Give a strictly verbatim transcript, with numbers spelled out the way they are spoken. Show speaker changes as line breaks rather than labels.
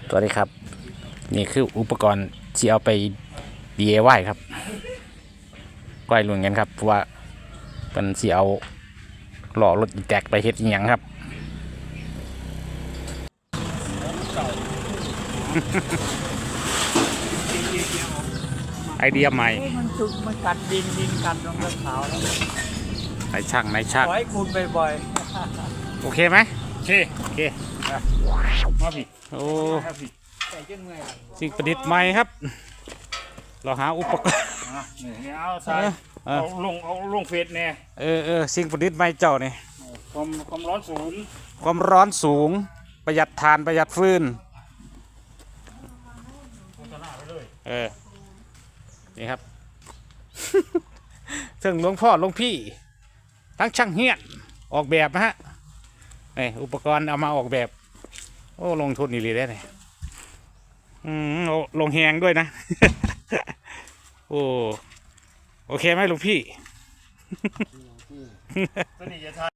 สวัสดีครับนี่คืออุปกรณ์ที่เอาไป ดี ไอ วาย ครับก้อยลุนกันครับเพราะว่าเป็นสีเอาหล่อรถแตกไปเฮ็ดอีหยังครับ ไอเดียใหม่
มันจุกมันกัดดินดินกัดลงกระเขาแล้ว
นายช่างนายช่าง
ขอให้คุณบ่อย
โอเคไหม
โอเค
โอเค
มาพี่
โอ้
มาพี่
ๆแต่ยังไง
สิ่งประดิษฐ์ใหม่ครับ เราหาอุปกรณ์
อ่ะนี่เอาใส่
เออ
เอาลงเอาลงเฟสเนี่ย
เออเออสิ่งประดิษฐ์ใหม่เจ้านี่
ความความร้อนสูง
ความร้อนสูงประหยัดถ่านประหยัดฟืน
โฆษณาไปเลย
เออ นี่ครับ ซึ่งหลวงพ่อหลวงพี่ ทั้งช่างเฮียนออกแบบนะฮะนี่อุปกรณ์เอามาออกแบบ โอ้ ลงทุนนี่เลยได้เนี่ยอืมโอ้ลงแหงด้วยนะ โอ้ โอเคไหมหลวงพี่
ตัวนี้จะทาย